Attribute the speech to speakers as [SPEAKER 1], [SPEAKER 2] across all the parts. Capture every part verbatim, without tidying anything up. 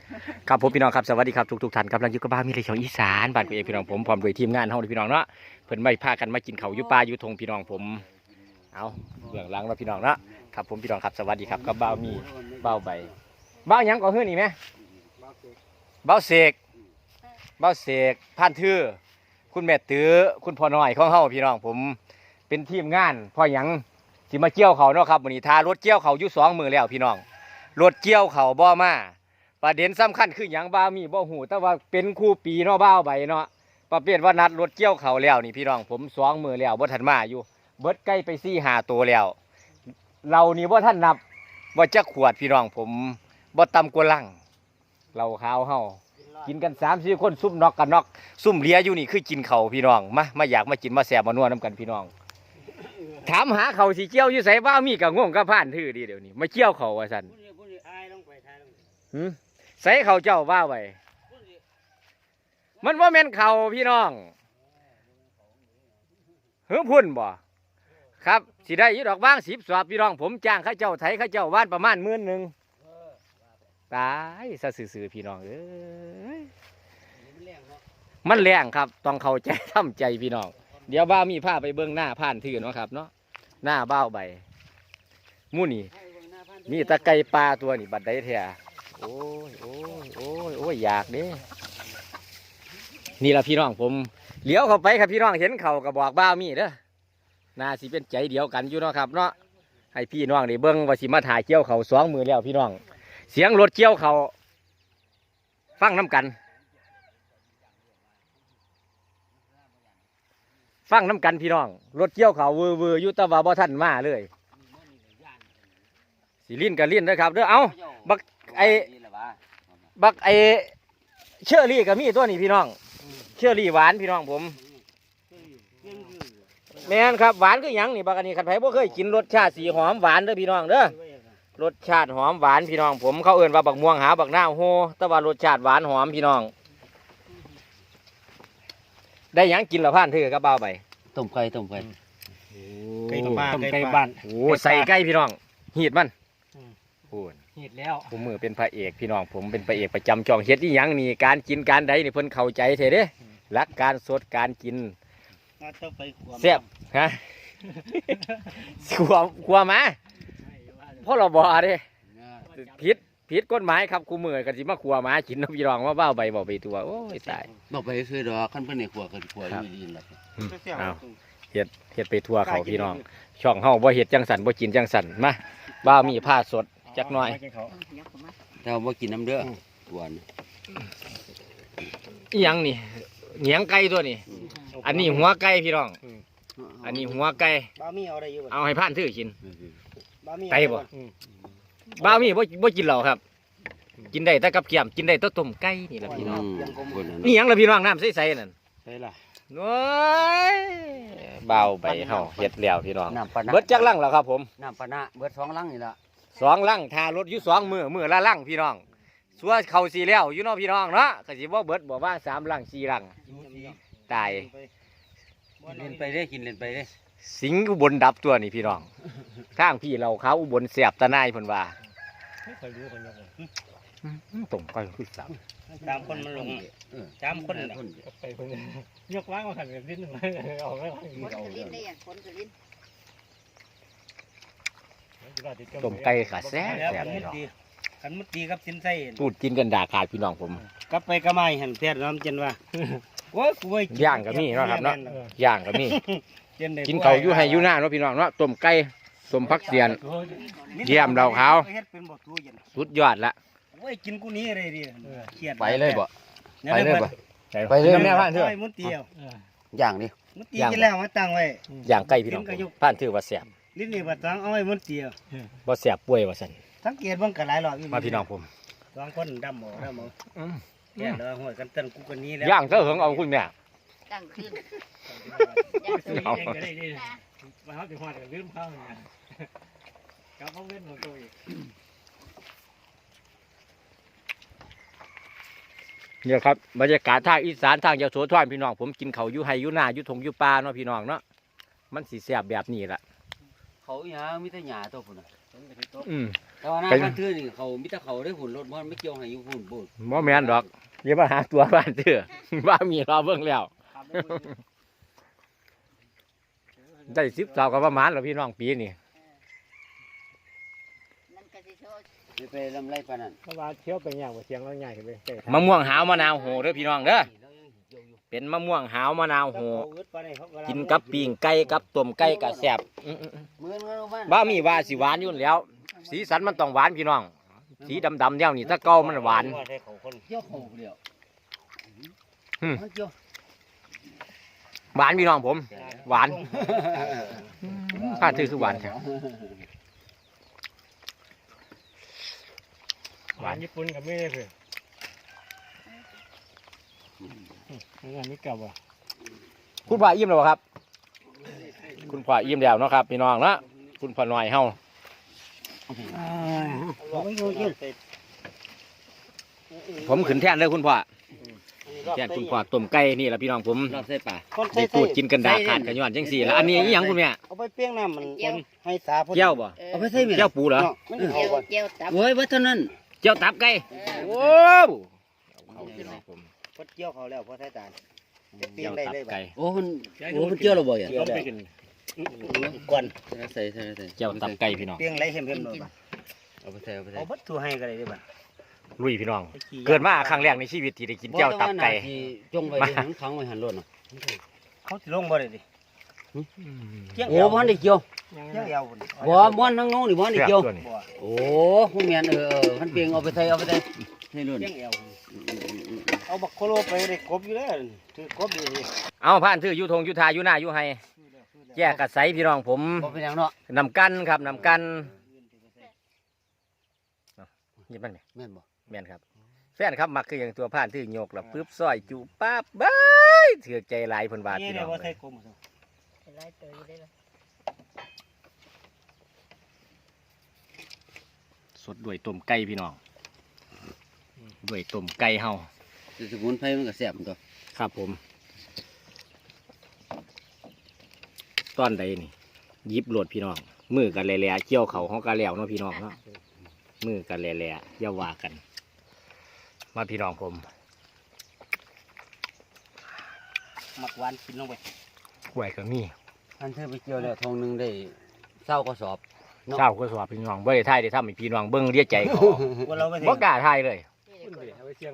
[SPEAKER 1] ครับผมพี่น้องครับสวัสดีครับทุกทุกท่านกำลังอยู่กับบ้านมีเรื่องของอีสานบ้านพี่เองพี่น้องผมพร้อมด้วยทีมงานเฮาพี่น้องเนาะเพิ่นไม่พากันมากินข้าวอยู่ป่าอยู่ทงพี่น้องผมเอาเบื้องหลังแล้วพี่น้องเนาะครับผมพี่น้องครับสวัสดีครับกับบ้าวมีบ้าวใบบ้าวหยังก่อเฮือนี่ไหมบ้าวเสกบ้าวเสกพันทื่อคุณแม่ตื้อคุณพ่อน้อยของเฮาพี่น้องผมเป็นทีมงานพ่อหยังสิมาเกี่ยวเขาเนาะครับวันนี้ทารถเกี่ยวเขาอยู่สองมือแล้วพี่น้องรถเกี่ยวเขาบ่มาประเด็นสำคัญคืออย่างบ้ามีบ่หูแต่ว่าเป็นคู่ปีเนาะบ้าวใบเนาะประเภทว่านัดรถเกี่ยวเขาแล้วนี่พี่น้องผมสองมือแล้วบ่ทันมาอยู่เบิดใกล้ไปสี่หาตัวแล้วเรานี่บ่ท่านนับว่าจะขวดพี่น้องผมบ่ต่ำกว่าลังเราขาวเฮากินกันสามสี่คนซุ่มนอกกันนอกซุ่มเลียอยู่นี่คือกินเขาพี่น้องมามาอยากมากินมาแสบมานัวน้ำกันพี่น้องถามหาเขาสีเกี่ยวอยู่ใส่บ้ามีกับง่วงกับผ่านทื่อดีเดี๋ยวนี้มาเกี่ยวเขาว่าสันหืมใส่เขาเจ้าว่าไว้มันว่าแม่นเขาพี่น้องเฮ้ยพุ่นบ่ครับสิได้ยี่ดอกบ้างสิบสอบพี่น้องผมจ้างข้าเจ้าไถข้าเจ้าว่านประมาณหมื่นหนึ่งตายซะซื่อๆพี่น้องเอ้ยมันแรงครับต้องเข้าใจทำใจพี่น้องเดี๋ยวบ้ามีผ้าไปเบื้องหน้าผ่านทื่อเนาะครับเนาะหน้าบ้าใบมู่นี่มีตะไคร้ปลาตัวนี่บัดได้แท้โอ้ยโอ้ยโอ้ยโอ้ยอยากเด้นี่ละพี่น้องผมเลี้ยวเข้าไปครับพี่น้องเห็นเขาก็บอกบ้ามีเด้อน่าสิเป็นใจเดียวกันอยู่เนาะครับเนาะให้พี่น้องได้เบิ่งว่าสิมาถ่ายเกี่ยวเขาสองมือแล้วพี่น้องเสียงรถเกี่ยวเขาฟังน้ำกันฟังน้ำกันพี่น้องรถเกี่ยวเขาวือวืออยู่ตะวันบ่ทันมาเลยสีลิ้นกับลิ้นนะครับเด้อเอาบักไอบักไอเชอรี่กับมีตัวนี้พี่น้องเชอรี่หวานพี่น้องผมแม่นครับหวานคือหยังนี่บักอันนี้ขันไผ่บ่เคยกินรสชาติสีหอมหวานเด้อพี่น้องเด้อรสชาติหอมหวานพี่น้องผมเขาเอื่นว่าบักม่วงหาบักหน้าโฮแต่ว่ารสชาติหวานหอมพี่น้องได้หยังกินละพันเถื่อกับเบาไป
[SPEAKER 2] ต้มไก่ต้มไก่
[SPEAKER 3] ไก่บ้านไก่บ้าน
[SPEAKER 1] โอ้ใส่ไก่พี่น้องหีดมันพูด
[SPEAKER 3] หีดแล้ว
[SPEAKER 1] ผมมือเป็นพระเอกพี่น้องผมเป็นพระเอกประจำช่องเฮ็ดที่ยังนี่การกินการใดนี่เพิ่นเข้าใจเถอะเด้รักการสดการกินแซ่บฮะขวบขวบมาเพราะเราบอกเด้ผิดผิดกฎหมายครับคู่มือกันสิมาขวบมากินน้ำพี่น้องว่าเบ้าใบบอกไปตัวโอ้ยตาย
[SPEAKER 2] บอกไปคือดอกขั้นเพิ่นในขวบกันขวบอยู่ดีนแหละ
[SPEAKER 1] เอาเฮ็ดเฮ็ดไปทั่วเขาพี่น้องช่องเฮาบ่เฮ็ดจังสันบ่กินจังสันมาบ้ามีผ้าสดจักหน่อย
[SPEAKER 2] เราบ่กินน้ำเด้อหวาน
[SPEAKER 1] อีหยังนี่เหนียงไก่ตัวนี้อันนี้หัวไก่พี่น้องอันนี้หัวไก่เอาให้ผ่านถือกินไก่บ่บ้ามีบ่บ่กินเหล้าครับกินได้แต่กับเกี๊ยมกินได้แต่ต้มไก่นี่แหละพี่น้องนี่หยังล่ะพี่น้องน้ำใสๆนั่น
[SPEAKER 3] ใช่ล่ะ
[SPEAKER 1] โอ้ยเบาไปเฮาเฮ็ดแล้วพี่น้องเบิดจักลังแล้วครับผม
[SPEAKER 2] น้ำปะนะเบิดสองลังนี่ล่ะ
[SPEAKER 1] สองลังทารถอยู่สองมือมือละลังพี่น้องสัวเข่าสีแล้วอยู่เนาะพี่น้องเนาะก็สิบ่เบิดบ่ว่าสามลังสี่ลังตาย
[SPEAKER 2] เล่นไปได้กินเล่นไปได้
[SPEAKER 1] สิงอุบลดับตัวนี่พี่น้องข้างพี่เราเขาอุบลเสียบตะนายเพิ่นว่าตรงไปคือสาม
[SPEAKER 3] สามคนมันลงสามคนไปคนยกล้างมาขันกันนิดหนึ่งเอาไม่ไหวเอา
[SPEAKER 1] ต้มไก่ขาแซ่บแซ่บพี่น้อง
[SPEAKER 3] ขันมุดตีกับสินไส้
[SPEAKER 1] พูดกินกันด่าขาดพี่น้องผม
[SPEAKER 3] กลับไปกระไม้หันแท้น้ำเจนว่าโอ้ยกูไป
[SPEAKER 1] ย่างก็มีเนาะครับเนาะย่างก็มีกินเขาอยู่ให้อยู่หน้าเนาะพี่น้องเนาะต้มไก่ต้มผักเสียนเยี่ยมเราเขาสุดยอดละ
[SPEAKER 3] โอ้ยกินกูนี้อะไรดิ
[SPEAKER 2] เครียดไปเลยบ่ไปเลยบ่
[SPEAKER 1] ไปเลยแม่ผ่านเถอะ
[SPEAKER 3] มุดตี
[SPEAKER 2] ย่างดิ
[SPEAKER 3] มุดตีกินแล้วมาตั้งไว้
[SPEAKER 1] ย่างไก่พี่น้องผ่านเถอะว่าแซ่บ
[SPEAKER 3] ลิ้นนี่บัดตั้งเอาไว้มุดตี
[SPEAKER 1] บ่แซ่บป่วยว่าซั่น
[SPEAKER 3] สังเกตบ้างกันหลายรอบ
[SPEAKER 1] มาพี่น้องผม
[SPEAKER 3] สองคนดำหมอดำหมอแก่แล้วหัวกันเต้นกูกันนี้แล้ว
[SPEAKER 1] ย่างเถอะเหิงเอาคุณแม่
[SPEAKER 4] ตั้งขึ้น
[SPEAKER 3] เอามาเขาถึงหัวกันลืมเข้าเนี่ยกับเขาเล่นของตัวอีก
[SPEAKER 1] เนี่ยครับบรรยากาศทางอีสานทางยโสธรพี่น้องผมกินเขาอยู่ไฮอยู่หน้าอยู่ทงอยู่ป่าเนาะพี่น้องเนาะมันสีแสบแบบนี้แหละ
[SPEAKER 2] เขาอย่างมีแต่หญ้าตัวพุ่นน่ะ
[SPEAKER 1] อืม
[SPEAKER 2] แต่ว่าหน้าบ้านเทื่อนี่เขามีแต่เขาได้หุ่นรถมันไม่เกี่ยวให้อยู่หุ่นบุญ
[SPEAKER 1] บ่แม่นดอกอย่ามาหาตัวบ้านเถื่อ ว่ามีรอเบิ่งแล้ว ได้สิบสาวก็ประมาณแล้วพี่น้องปีนี่
[SPEAKER 4] นั่นก็สิโชว์
[SPEAKER 2] ไม่ไปลำไรปานนั้น
[SPEAKER 3] เพราะว่าเที่ยวไปอย่างว่าเสียงเราใหญ่ขึ้นไปเตะ
[SPEAKER 1] มะม่วงหาวมะนาวโหเด้อพี่น้องเด้อเป็นมะม่วงหาวมะนาวโหกินกับปิ้งไก่กับต้มไก่ก็แซ่บอื้อ
[SPEAKER 2] เหมือนกันบ้าน
[SPEAKER 1] ๆบ้ามีว่าสิหวานอยู่แล้ว สีสันมันต้องหวานพี่น้อง สีดำๆแนวนี้ถ้าเก่ามันหวาน
[SPEAKER 2] เกี่ยวเขาเดียว
[SPEAKER 1] อืม
[SPEAKER 2] เกี่ยว
[SPEAKER 1] หวานพี่น้องผม หวานผ้าทื่อคือหวานใช่
[SPEAKER 3] หวานญี่ปุ่นกับไม่ได้เพื่อนงานนี้เก่าว่ะ
[SPEAKER 1] คุณพ่ออิ่มแล้วบ่ครับ คุณพ่ออิ่มแล้วเนาะครับพี่น้องเนาะคุณพ่อน้อยเฮา
[SPEAKER 2] ไม่รู้จริง
[SPEAKER 1] ผมขึ้นแท่นเลยคุณพ่อแท่นคุณพ่อต้มไก่นี่แหละพี่น้องผม
[SPEAKER 2] รอบใส่ป่า
[SPEAKER 1] ได้ตูดกินกันดาขาดกันย้อนจังสี่แล้วอันนี้อีหยังคุณแม่
[SPEAKER 5] เอาไปเปี้ยงน้ำมันให้สาพ
[SPEAKER 1] เจ้าบ่
[SPEAKER 2] เอาไปใส่เมีย
[SPEAKER 1] เจ้าปูเหรอ
[SPEAKER 5] มัน
[SPEAKER 4] เจี
[SPEAKER 5] เอา
[SPEAKER 4] ยว
[SPEAKER 5] ก่อน
[SPEAKER 4] เจียวตับ
[SPEAKER 2] โอ้ยว่าเท่านั้น
[SPEAKER 1] เจ้าตับไก่
[SPEAKER 4] เออ
[SPEAKER 1] โอ้เอาพี่น้องผม
[SPEAKER 5] พดเกี่ยวเขาแล้วพอใช้ตาลจะเปี้ย
[SPEAKER 1] เจ้าง
[SPEAKER 5] ได้
[SPEAKER 1] ตับ
[SPEAKER 5] เลย
[SPEAKER 1] ไก่
[SPEAKER 2] โอ้มันโอ้มันเกี่ยวเราบ่อยอ่ะ
[SPEAKER 3] ต้องไปกิน
[SPEAKER 5] ก่อน
[SPEAKER 2] ใส่ใส่ใส่
[SPEAKER 1] เจ้าตับไก่พี่น้อง
[SPEAKER 5] เปี้ยงไรเห็มเห็มหน่อยบ่
[SPEAKER 2] เอาไปใส่เอาไปใส่
[SPEAKER 5] เอาบัดถูให้ก็ได้ด้วยบ่
[SPEAKER 1] ลุยพี่น้อง เกิดมาครั้งแรกในชีวิตที่ได้กินเจ้าตับไก่
[SPEAKER 2] จงไว้ในหังขังไว้หันรถเนาะ
[SPEAKER 5] เขาสิลงบ่ได้ดิเกี่ยง
[SPEAKER 2] โอ้บ่ทันได้เกี่ยว
[SPEAKER 5] เกี่ยงยาวพุ่น
[SPEAKER 2] บ่บ่อนทั้งงงนี่บ่ทันได้
[SPEAKER 1] เสียบ
[SPEAKER 2] เกี่ยว
[SPEAKER 1] ตัวนี้
[SPEAKER 5] บ่
[SPEAKER 2] โอ้ผู้แม่นเออเออมันเปลียงเอาไปใส่เอาไปใส่ให้รุ่น
[SPEAKER 5] เกี่ยงยาวเอาบักโคโลไปได้กบอยู่แล้วถือกบดี
[SPEAKER 1] เอาผ่านถืออยู่ทงอยู่ทาอยู่หน้าอยู่ไฮแยกกระใสพี่น้องผม
[SPEAKER 2] บ่เป็นหยังเนาะ
[SPEAKER 1] นำกันครับนำกันยิบมันไหม
[SPEAKER 2] แม่นบ่
[SPEAKER 1] แม่นครับแฟนครับมักคืออย่างตัวผ่านถือโยกแล้วปึ๊บซอยจูป๊าบบ้ายเถือกใจหลายเพิ่นบาท
[SPEAKER 5] นี่
[SPEAKER 1] พี่
[SPEAKER 5] เดี๋
[SPEAKER 1] น้
[SPEAKER 5] ย
[SPEAKER 1] อ
[SPEAKER 5] ว
[SPEAKER 1] ง
[SPEAKER 5] ว่าใส่กบ
[SPEAKER 4] หลายตัวอยู่ได้ละ
[SPEAKER 1] สดด้วยต้มไก่พี่น้องด้วยต้มไก่เฮา
[SPEAKER 2] สมุนไพรมันก็แซ่บตัว
[SPEAKER 1] ครับผม ตอนใดนี่ยิบโหลดพี่น้องมือกันแหล่ๆเกี่ยวเขาเขากันแล้วเนาะพี่น้องเนาะมือกันแหล่ๆอย่าว่ากัน มาพี่น้องผม
[SPEAKER 5] มักหวานกินลงไป
[SPEAKER 1] กล้วยก็มี
[SPEAKER 2] อันเธอไปเกี่ยวแล้วทงหนึงได้เศร้ากระสอบ เนาะ
[SPEAKER 1] เช้าก็สวัสพี่น้องบ่ได้ถ่ายได้ทำให้พี่น้องเบิ่งเรียกใจเขา
[SPEAKER 5] ว่าเราไป
[SPEAKER 1] บ่กล้าถ่ายเลย
[SPEAKER 4] นี่เดี๋ยวก่อน
[SPEAKER 3] เอาไปเสียง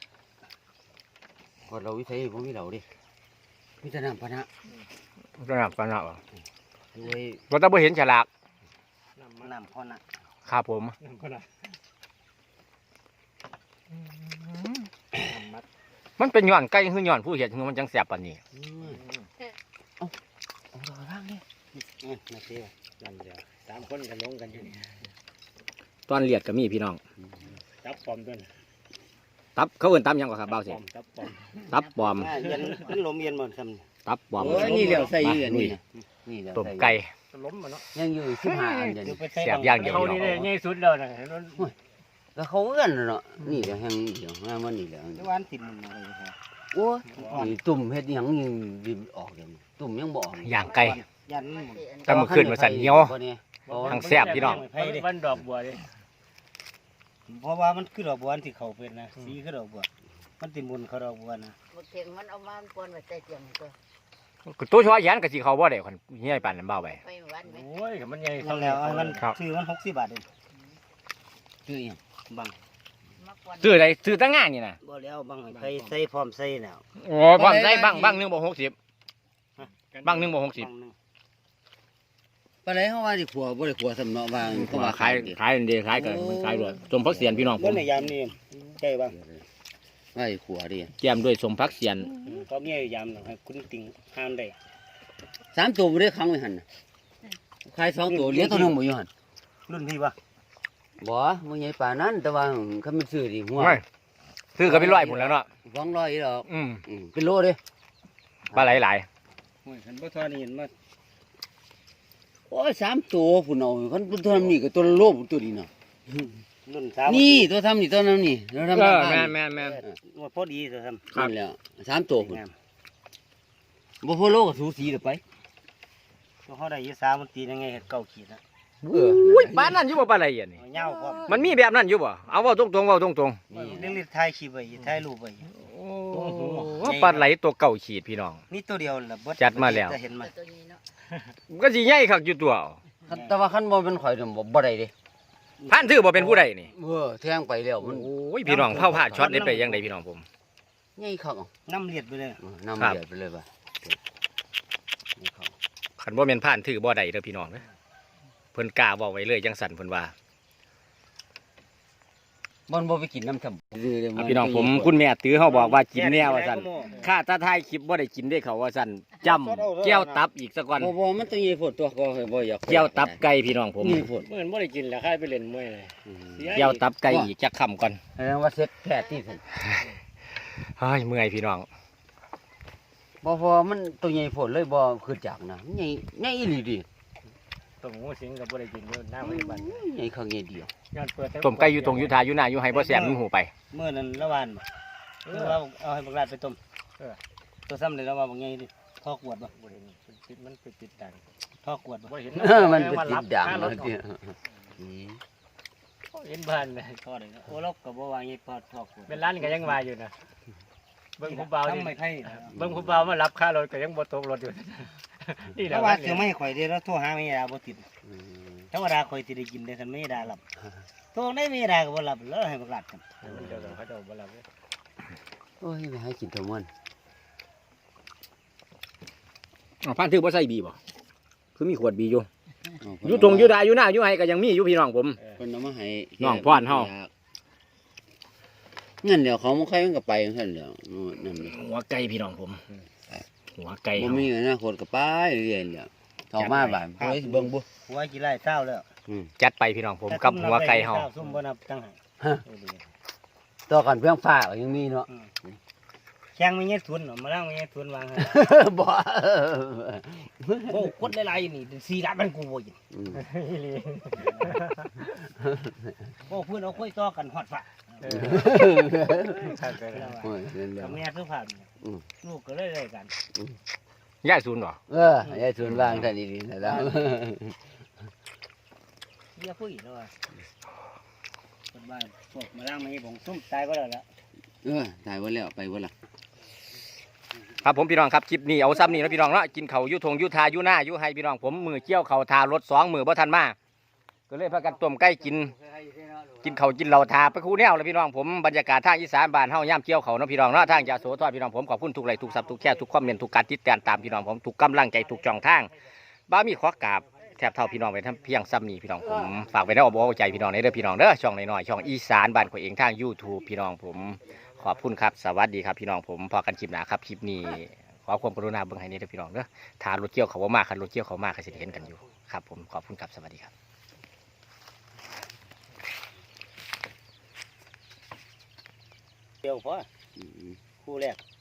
[SPEAKER 2] กดเราวิสัยบ่มีเราดิมีแต่น้ำพะนะ
[SPEAKER 1] สนับสนับ
[SPEAKER 2] ด้วย
[SPEAKER 1] เราต้องบ่เห็นฉลาก
[SPEAKER 3] น้ำมัน
[SPEAKER 5] น้ำพอน่ะ
[SPEAKER 1] ครับผม
[SPEAKER 3] น้ำคนละน้ำมัด
[SPEAKER 1] มันเป็นย้อนไก่คือย้อนผู้เห็ดคือมันจังแสบปานนี้
[SPEAKER 2] อืมเอาเอาเราล่างนี่
[SPEAKER 5] อืมนาที
[SPEAKER 3] นั่นเดียวสามคนกันลงกันอยู่นี่
[SPEAKER 1] ตอนเลียดก็มีพี่น้อง
[SPEAKER 3] จับปอมด้วยนะ
[SPEAKER 1] ตับเขาเอิ้นตับหยังกว่าครับเบา
[SPEAKER 3] ป
[SPEAKER 1] เสิ
[SPEAKER 3] อมจับปอม
[SPEAKER 1] ตับปลอม
[SPEAKER 5] อ่าเย็นมันลมเย็นบ่ซ้ำ
[SPEAKER 1] ตับปลอม
[SPEAKER 2] โอ้ยนี่เหลียวใส่อยู่อันนี้นะนี่เหลียว
[SPEAKER 1] ต้ม
[SPEAKER 2] ใส่
[SPEAKER 1] ไก่
[SPEAKER 3] ล้มมาเนาะ
[SPEAKER 2] ยังอยู่สิบห้าอันเดียว
[SPEAKER 5] เดี๋ยว
[SPEAKER 2] นี่
[SPEAKER 5] ไปใส่
[SPEAKER 1] แซ่บอย่างเดียว
[SPEAKER 3] เขานี่ได้ง่ายสุดเลยนะเห็นมัน
[SPEAKER 2] แล้วเขาเอื้อนเนาะนี่เดี๋ยวแห้งเดี๋ยวงานมันนี่เดี๋ยว
[SPEAKER 5] เดี๋ยวหวานติดมันอะไรครับ
[SPEAKER 2] โอ้ยนี่ตุ่มเฮ็ดหยังยังดิบออกเดี๋ยวนี้ตุ่มยังบ่ออก
[SPEAKER 1] ย่างไก่
[SPEAKER 5] ยันมัน
[SPEAKER 1] แต่เมื่อคืนมาสั่นเหนียว
[SPEAKER 2] บ่เนี่ยบ่
[SPEAKER 1] ทางแซ่บพี่น้อง
[SPEAKER 3] วันดอกบัวดิ
[SPEAKER 5] เพราะว่ามันคือดอกบัวที่เขาเป็นนะสีคือดอกบัวมันติดมุนเขาดอกบัวนะ
[SPEAKER 4] บดเทียงมันเอามาปนไว้ใต้เตียงตัว
[SPEAKER 1] ตัวชัวแยนก็สิเขาบ่ได้คนเฮียปานนั้นเบาไป
[SPEAKER 4] ไปหวานไหม
[SPEAKER 3] โอ้ยมันใหญ่
[SPEAKER 5] ทำแล้วอันมัน
[SPEAKER 1] ครับ
[SPEAKER 5] ซื้อมันหกสิบบาทเอง
[SPEAKER 2] ชื่อหยัง
[SPEAKER 5] บัง
[SPEAKER 4] มาปน
[SPEAKER 1] ซื้ออะไรซื้อตั้งงานนี่นะ
[SPEAKER 5] บ่แล้วบังใส่ใส่พร้อมใส่แล้ว
[SPEAKER 1] โอ้พร้อมใส่บังบังหนึงบ่หกสิบบังหนึงบ่หกสิบ
[SPEAKER 5] บังหนึ่ง
[SPEAKER 2] ปลาไหลเฮาว่าสิขัวบ่ได้ขัวสำเนาะว่า
[SPEAKER 1] เพ
[SPEAKER 2] เขา
[SPEAKER 1] ราะ
[SPEAKER 2] ว่า
[SPEAKER 1] ว่าขายขายอันเดียวขายกันมันขายด้วยสมพักเสียนพี่น้องผ
[SPEAKER 5] บ่
[SPEAKER 1] ม
[SPEAKER 5] ในยามนี้ใช่บัง
[SPEAKER 2] ว่าสิขัวดิ
[SPEAKER 1] แจมด้วยสมพักเสียน
[SPEAKER 5] เขามียามหน่อยให้คุณติ่งห้ามได้
[SPEAKER 2] สามตัวบ่ได้ขังไว้หั่นน่ะขายสองตัวเหลือตัวหนึงบ่อยู่หั่น
[SPEAKER 5] รุ่นพี่ปะ
[SPEAKER 2] บ่บ่ใหญ่ปานนั้นแต่ว่าคันมันซื้อดิหัว
[SPEAKER 1] ไม่ซื้อก็เป็นร้อยพุ่นแล้วเนาะ
[SPEAKER 2] สองร้อยอีดอก
[SPEAKER 1] อืม
[SPEAKER 2] อืมเป็นโลเด้
[SPEAKER 1] ปลาไหลหลาย
[SPEAKER 5] โอ้ยฉันบ่ทอนี่เห็นมา
[SPEAKER 2] โอ้ยสามตัวพุ่นเอาคันตัวทำนี่ก็ตัวละโลพุ่นตัวนี้เนาะ
[SPEAKER 5] รุ่นสาม
[SPEAKER 2] นี่ตัวทำนี่ตัวนั้นนี่เราทำ
[SPEAKER 1] เอ
[SPEAKER 2] ตาม
[SPEAKER 1] อ
[SPEAKER 2] บ้าน
[SPEAKER 1] แม่นแม่นแม่น
[SPEAKER 5] งวดพอดีสิครับ
[SPEAKER 2] นั่นแหล้วสามตัวพุ่น
[SPEAKER 5] งาม
[SPEAKER 2] บ่พอโลก็สูสีเด้อไป
[SPEAKER 5] ตัวเขาได้ยี่สามมันตียังไงเห็ดเก้าขีดนะ
[SPEAKER 2] เออ
[SPEAKER 1] อุ้ยปลานั่นอยู่บ่ปลาไหลอันนี้
[SPEAKER 5] เอาเหย้าพร้อม
[SPEAKER 1] มันมีแบบนั้นอยู่บ่เอาเว้าตรงๆเว้าตรง
[SPEAKER 5] นี่เรื่องรีดถ่ายคลิปไว้ถ่ายรูปไว้
[SPEAKER 1] ๆโอ้ปลาไหลตัวเก่าขีดพี่น้อง
[SPEAKER 5] นี่ตัวเดียวล่ะเบิ
[SPEAKER 1] จัดมาแล้ว
[SPEAKER 5] จะเห็นมัน
[SPEAKER 4] ตัวนี้เนาะ
[SPEAKER 1] ก็สิใหญ่คักอยู่ตัว
[SPEAKER 2] คันแต่ว่าคันบ่เป็นข่อยนี่บ่บ่ได้เด้
[SPEAKER 1] พันถือบ่เป็นผู้ใดนี่
[SPEAKER 2] เออแทงไปแล้วมัน
[SPEAKER 1] โอ้ยพี่น้องเผาผ่าช็อตได้ไปยังไดพี่น้องผม
[SPEAKER 2] ใหญ่คักเอา
[SPEAKER 5] น้ำเลียดไปเลย
[SPEAKER 2] เออน้ำ
[SPEAKER 1] ครับ
[SPEAKER 2] เดือดไปเลยบ่นี่เขา
[SPEAKER 1] คันบ่แม่นผ่านถือบ่ได้เด้อพี่น้องเด้อเพิ่นกล้าเว้าไว้เลยจังสั่นเพิ่นว่า
[SPEAKER 2] มันบ่ไปกินน้ำทำ
[SPEAKER 1] อ่ะพี่น้องผมคุณแม่ตื้อเฮาบอกว่ากินแนวว่าซั่นข้าตาท้ายคลิปบ่ได้กินได้เขาว่าซั่นจำแก้วตับอีกสักก่อน
[SPEAKER 2] บ่บ่มันต้องใหญ่โพดตัวก็บ่อยาก
[SPEAKER 1] แก้วตับไก่พี่น้องผม
[SPEAKER 2] นี่โพด
[SPEAKER 3] เมื่อบ่ได้กินแล้วค่ายไปเล่นมวยเลย
[SPEAKER 2] อืม
[SPEAKER 1] แก้วตับไก่อีกจักคำก่อน
[SPEAKER 2] แสดงว่าเซ็ตแท้ที่สุด
[SPEAKER 1] เฮ้ยเมื่อยพี่น้อง
[SPEAKER 2] บ่พอมันตัวใหญ่โพดเลยบ่คือจากนะใหญ่ใหญ่อีหลีดิ
[SPEAKER 3] ต้มหมูสิงก็บ่ได้กินอยู่หน้าพยาบาล
[SPEAKER 2] ใหญ่คักใหญ่เดียว
[SPEAKER 3] ย้อนเปิด
[SPEAKER 1] ต้มไก่อยู่ตรงยุทธาอยู่หน้าอยู่ให้บ่แซ่บมีหูไป
[SPEAKER 5] เมื่อนั้นละวานบ่เออเราเอาให้บักลาดไปต้มเออตัวซ้ำเลยแล้วว่าบางไงดิท่อกวดบ่
[SPEAKER 3] บ่เห็นมันติดมันไปติดดัง
[SPEAKER 5] ท่อกวดบ่
[SPEAKER 3] บ่เห็น
[SPEAKER 2] เออมันเป็นติดด่างเลยทีอืม
[SPEAKER 3] เห็นบ้านเลย
[SPEAKER 5] ท่อได้เนาะโอ้เราก็บ่ว่าไงพอท่อกวด
[SPEAKER 3] เป็นร้านก็ยังว่าอยู่นะเบิ่งผู้เบานี่
[SPEAKER 5] ทำไม่ไผ่นะ
[SPEAKER 3] เบิ่งผู้เบามารับค่ารถก็ยังบ่ตกรถอยู่ นี่แห
[SPEAKER 5] แต่
[SPEAKER 3] ละ
[SPEAKER 5] ว่า
[SPEAKER 3] ว่า
[SPEAKER 5] เสียไม่ข่อยเด้แล้วโทรหาไม่ดาบ่ติด
[SPEAKER 2] อืม
[SPEAKER 5] ธรรมดาข่อยสิได้กินได้คันไม่ดาหลับโทรได้ไม่ดาก็บ่หลับแล้วให้บักลาดกัน
[SPEAKER 3] เดี๋ยวเขาจะบ่รับเลย
[SPEAKER 2] โอ้ยไม่ให้กินตัวมัน
[SPEAKER 1] อ๋อพันถือบ่ใส่บีบ่คือมีขวดบีอยู่
[SPEAKER 2] เอา
[SPEAKER 1] อยู่ตรงอยู่ดาอยู่หน้าอยู่ให้ก็ยังมีอยู่พี่น้องผม
[SPEAKER 2] เพิ่นเอามาให้
[SPEAKER 1] น้องพ่อนเฮา
[SPEAKER 2] งั้นเดี๋ยวเขาบ่ใครมันก็ไปจังซั่นแหล้วนั่นนี่
[SPEAKER 1] หัวไก่พี่น้องผม หัวไก่
[SPEAKER 2] บ่
[SPEAKER 1] เฮา
[SPEAKER 2] มีอนาคตก็ไปเรื่อยๆแหล้วเข้ามาบ้านเพิ่นสิเบิ่งบ่
[SPEAKER 5] หัวกี่ไร่เช้าแล้ว
[SPEAKER 2] อืม
[SPEAKER 1] จัดไปพี่น้องผมกับหัวไก่เฮา
[SPEAKER 5] ซุ่มบ่นับตั้งให้
[SPEAKER 2] ฮะ
[SPEAKER 5] เออดี
[SPEAKER 2] ต่อกันเพียงฟ้าก็ยังมีเนาะ
[SPEAKER 5] แข่งไม่เงี้ยทุนเนาะมาล้างไม่เงี้ยทุนวางให้
[SPEAKER 2] บ่
[SPEAKER 5] โอ้กดหลายๆนี่สี่ล้านมันกูบ่ยิน
[SPEAKER 2] อืม
[SPEAKER 3] อีหลี
[SPEAKER 5] โอ้เพื่อนเอาค่อยต่อกันฮอดฟ้า
[SPEAKER 3] เออใช่ไปแล้ว
[SPEAKER 2] โอ้ยนั่นแหละ
[SPEAKER 5] กับแม่คือผ่านเนี่ย
[SPEAKER 2] อืม
[SPEAKER 5] ลูกก็เลยเลยกัน
[SPEAKER 1] ย้ายศูนย์บ่
[SPEAKER 2] เออยายส่วนวางท่านดีๆนะแล้ว
[SPEAKER 5] เยี่ยผู้หญิงแล้วอ่ะคนบ้านพวกมาล้างไม่ผมซุ่มตายก็แล้วละ
[SPEAKER 2] เออตายบ่แล้วไปบ่ล่ะ
[SPEAKER 1] ครับผมพี่น้องครับคลิปนี้เอาซ้ำนี่นะพี่น้องเนาะกินเขาวอยู่ทงอยู่ทาอยู่หน้าอยู่ให้พี่น้องผมมือเกี่ยวเขาทารถสองมือบ่ทันมาก็เลยพากันต้มไก่กิน กินเขาวกินเหล้าทาไปคู่แนวเลยพี่น้องผมบรรยากาศทางอีสานบ้านเฮาย่ำเกี่ยวเขาเนาะพี่น้องเนาะทางยาโสธรพี่น้องผมขอบคุณทุกไลค์ทุกซับทุกแชร์ทุกคอมเมนต์ทุกการติดตามตามพี่น้องผมทุกกำลังใจทุกช่องทางบ้ามีขอกราบแทบเท่าพี่น้องไปทั้งเพียงซ้ำนี้พี่น้องผมฝากไว้ในอ้อมอกอ้อมใจพี่น้องในเด้อพี่น้องเด้อช่องน้อยๆช่องอีสานบ้านของเองทาง YouTube พี่น้องผมขอบคุณครับสวัสดีครับพี่น้องผมพอกันคลิปหน้าครับคลิปนี้ขอความกรุณาเบิ่งให้นี่เด้อพี่น้องเด้อทารถเกี่ยวเขาว่ามากคันรถเกี่ยวเขามากก็สิได้เห็นกันอยู่ครับผมขอบคุณครับสวัสดีครับ
[SPEAKER 5] เดียวพอ
[SPEAKER 2] อืม
[SPEAKER 5] คู่แรก